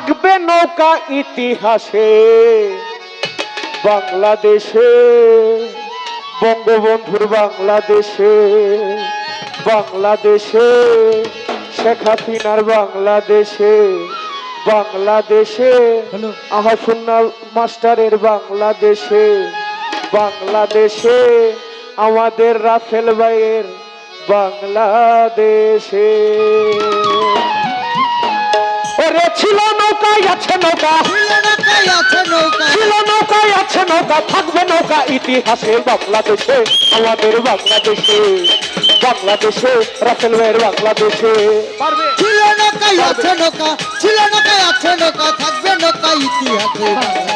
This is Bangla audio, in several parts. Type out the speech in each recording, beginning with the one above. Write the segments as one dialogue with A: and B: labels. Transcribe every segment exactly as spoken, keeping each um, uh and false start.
A: থাকবে নৌকা ইতিহাসে বাংলাদেশে, বঙ্গবন্ধুর বাংলাদেশে, বাংলাদেশে শেখ হাসিনার বাংলাদেশে, বাংলাদেশে আমার সুন্নাহ মাস্টারের বাংলাদেশে, বাংলাদেশে আমাদের রাফেল ভাইয়ের বাংলাদেশে। ওরে ছিল নৌকায় আছে নৌকা, ছিল নৌকায় আছে নৌকা, থাকবে নৌকা ইতিহাসে বাংলাদেশে, আমাদের বাংলাদেশে, বাংলাদেশে রাফেল ভাইয়ের বাংলাদেশে।
B: ছিল নৌকায় আছে নৌকা, ছিল নৌকায় আছে নৌকা, থাকবে নৌকা ইতিহাসে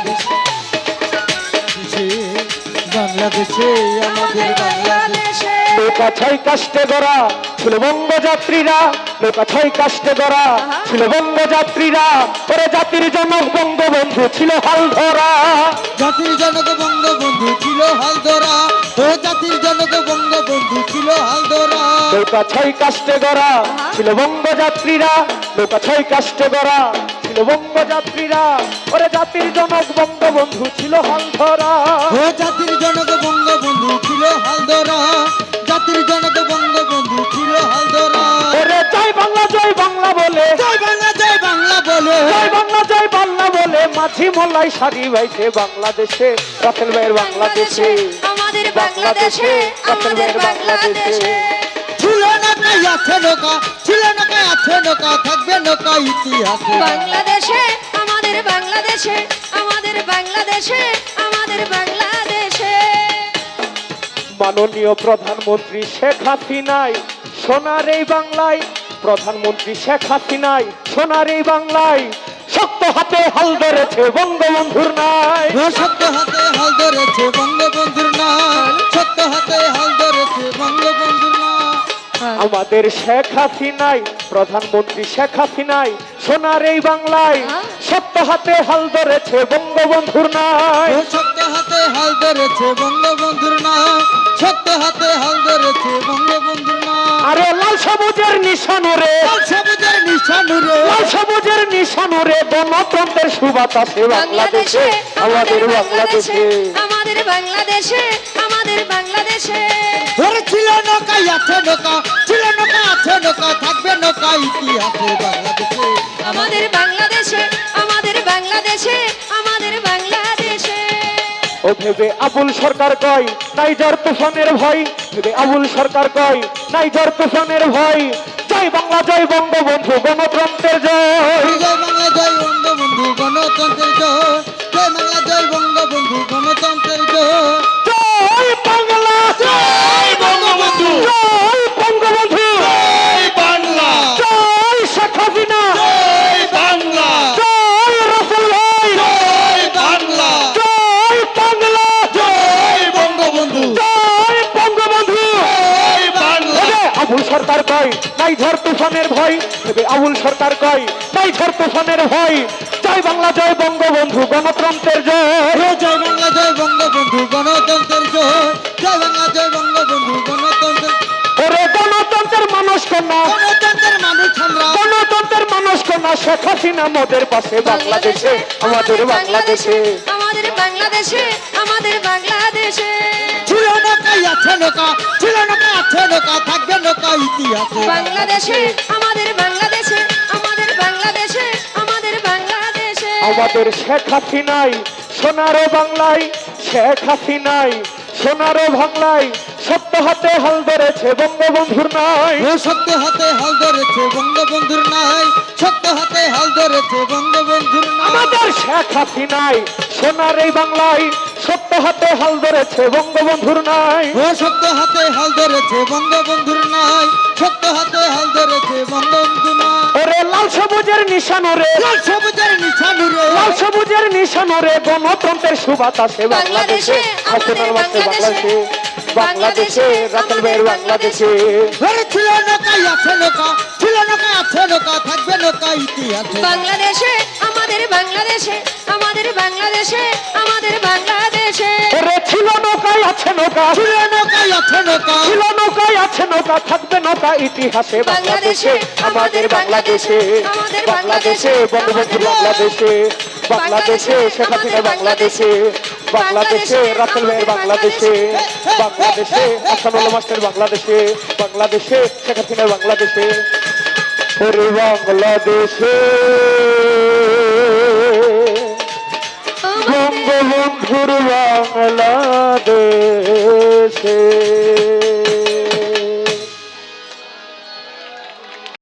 B: বাংলাদেশে, আমাদের বাংলাদেশে।
A: নৌকা ছয় কাষ্টে গড়া ছিল বঙ্গযাত্রীরা, নৌকা ছয় কাষ্টে গড়া ছিল বঙ্গযাত্রীরা, ওরে জাতির জনক বঙ্গবন্ধু ছিল হাল ধরা,
B: জাতির জনক বঙ্গবন্ধু ছিল হাল ধরা, ও জাতির জনক বঙ্গবন্ধু ছিল হাল ধরা।
A: নৌকা ছয় কাষ্টে গড়া ছিল বঙ্গযাত্রীরা, নৌকা ছয় কাষ্টে গড়া ছিল বঙ্গযাত্রীরা, ওরে জাতির জনক বঙ্গবন্ধু ছিল হাল ধরা,
B: ও জাতির জনক বঙ্গবন্ধু ছিল হাল ধরা, জাতির জনক বঙ্গবন্ধু ছিল হাল ধরা।
A: ওরে জয় বাংলা জয় বাংলা বলে,
B: জয় বাংলা জয় বাংলা বলে,
A: জয় বাংলা জয় বাংলা বলে মাঝি মোল্লাই সারি বাইছে বাংলাদেশে, রাফেল ভাইয়ের বাংলাদেশে,
C: আমাদের বাংলাদেশে, আমাদের বাংলাদেশে।
B: ছিল নৌকায় আছে নৌকা, ছিল নৌকায় আছে নৌকা, থাকবে নৌকা ইতিহাসে
C: বাংলাদেশে, আমাদের বাংলাদেশে, আমাদের বাংলাদেশে, আমাদের বাংলাদেশে।
A: মাননীয় প্রধানমন্ত্রী শেখ হাসিনাই সোনার এই বাংলায়, প্রধানমন্ত্রী শেখ হাসিনাই সোনার এই বাংলায় শক্ত হাতে হাল ধরেছে বঙ্গবন্ধুর নাই,
B: শক্ত হাতে হাল ধরেছে বঙ্গবন্ধুর নাম, শক্ত হাতে হাল ধরেছে বঙ্গবন্ধুর নাম।
A: আমাদের শেখ হাসিনাই, প্রধানমন্ত্রী শেখ হাসিনাই সোনার এই বাংলায় শক্ত হাতে হাল ধরেছে বঙ্গবন্ধুর নাই,
B: শক্ত হাতে হাল ধরেছে বঙ্গবন্ধুর নাম, শক্ত হাতে হাল ধরেছে বঙ্গবন্ধুর নাম।
A: আরে লাল সবুজের নিশানুরে,
B: লাল সবুজের নিশানুরে,
A: লাল সবুজের নিশানুরে গণতন্ত্রের সুবাতাসে বাংলাদেশে, আমাদের বাংলাদেশে,
C: আমাদের বাংলাদেশে, আমাদের বাংলাদেশে।
B: ওরে ছিল নৌকায় আছে নৌকা, ছিল নৌকা আছে নৌকা, থাকবে নৌকা ইতিহাসে বাংলাদেশে,
C: আমাদের বাংলাদেশে, আমাদের বাংলাদেশে, আমাদের বাংলাদেশে।
A: ও ভেবে আবুল সরকার কয় নাইজার তুফানের ভয়, ভেবে আবুল সরকার কয় নাইজার তুফানের ভয়, জয় বাংলা জয় বঙ্গবন্ধু গণতন্ত্রের জয়,
B: জয় বাংলা জয় বঙ্গবন্ধু গণতন্ত্রের জয়, জয় বাংলা জয় বঙ্গবন্ধু গণতন্ত্রের জয়,
A: জয় বাংলা
B: জয় বঙ্গবন্ধু,
A: জয় বঙ্গবন্ধু,
B: জয় বাংলা,
A: জয় শেখ হাসিনা,
B: জয় বাংলা,
A: জয় রাফেল ভাই,
B: জয় বাংলা,
A: জয় বাংলা,
B: জয় বঙ্গবন্ধু,
A: জয় বঙ্গবন্ধু।
B: জয় বাংলা।
A: ভেবে আবুল সরকার কয় নাই ঝড় তুফানের ভয়, ভেবে আবুল সরকার কয় নাই ঝড় তুফানের ভয়, জয় বাংলা জয় বঙ্গবন্ধু গণতন্ত্রের জয়,
B: জয় বাংলা জয় বঙ্গবন্ধু গণতন্ত্রের জয়, জয় বাংলা জয় বঙ্গবন্ধু গণতন্ত্রের,
A: ওরে গণতন্ত্রের মানুষ কন্যা,
B: গণতন্ত্রের মানুষ আমরা,
A: গণতন্ত্রের মানুষ কন্যা শেখ হাসিনা মোদের পাশে বাংলাদেশে, আমাদের বাংলাদেশে,
C: আমাদের বাংলাদেশে, আমাদের বাংলাদেশে।
B: ছিল নৌকায় আছে নৌকা, ছিল নৌকা আছে নৌকা, থাকবে নৌকা ইতিহাসে
C: বাংলাদেশে, আমাদের বাংলাদেশে, আমাদের বাংলাদেশে, আমাদের বাংলাদেশে।
A: আমাদের শেখ হাসিনাই সোনারো বাংলায়, শেখ হাসিনাই সোনারো বাংলায় সত্য হাতে হাল ধরেছে বঙ্গবন্ধুর নাই,
B: ও শক্ত হাতে হাল ধরেছে বঙ্গবন্ধুর নাই, শক্ত হাতে হাল ধরেছে বঙ্গবন্ধুর নাই।
A: আমাদের শেখ হাসিনাই সোনার এই বাংলায় সত্য হাতে হাল ধরেছে বঙ্গবন্ধুর নাই,
B: ও শক্ত হাতে হাল ধরেছে বঙ্গবন্ধুর নাই, শক্ত হাতে হাল ধরেছে বঙ্গবন্ধু নাই।
A: ওরে লাল সবুজের নিশানুরে,
B: লাল সবুজের নিশানুরে,
A: লাল সবুজের নিশানুরে গণতন্ত্রের সুবাতাসে বাংলাদেশে, হাসিনার মাঠে বাংলাদেশে, বাংলাদেশে রাফেল ভাইয়ের বাংলাদেশে।
B: ওরে ছিল নৌকায় আছে নৌকা, ছিল নৌকা আছে নৌকা, থাকবে নৌকা ইতিহাসে
C: বাংলাদেশে, আমাদের বাংলাদেশে, আমাদের বাংলাদেশে, আমাদের বাংলাদেশে।
A: ওরে ছিল নৌকায় আছে নৌকা,
B: ছিল নৌকায় আছে নৌকা,
A: ছিল নৌকায় আছে নৌকা থাকবে নৌকা ইতিহাসে বাংলাদেশে আমাদের বাংলাদেশে বাংলাদেশে বঙ্গবন্ধু বাংলাদেশে বাংলাদেশে শেখ হাসিনা বাংলাদেশে বাংলাদেশে রাসেল ভাইয়ের বাংলাদেশে বাংলাদেশে হাসানুল মাস্টার বাংলাদেশে বাংলাদেশে শেখ হাসিনার বাংলাদেশে ওরে বাংলাদেশে বঙ্গবন্ধুর বাংলাদেশে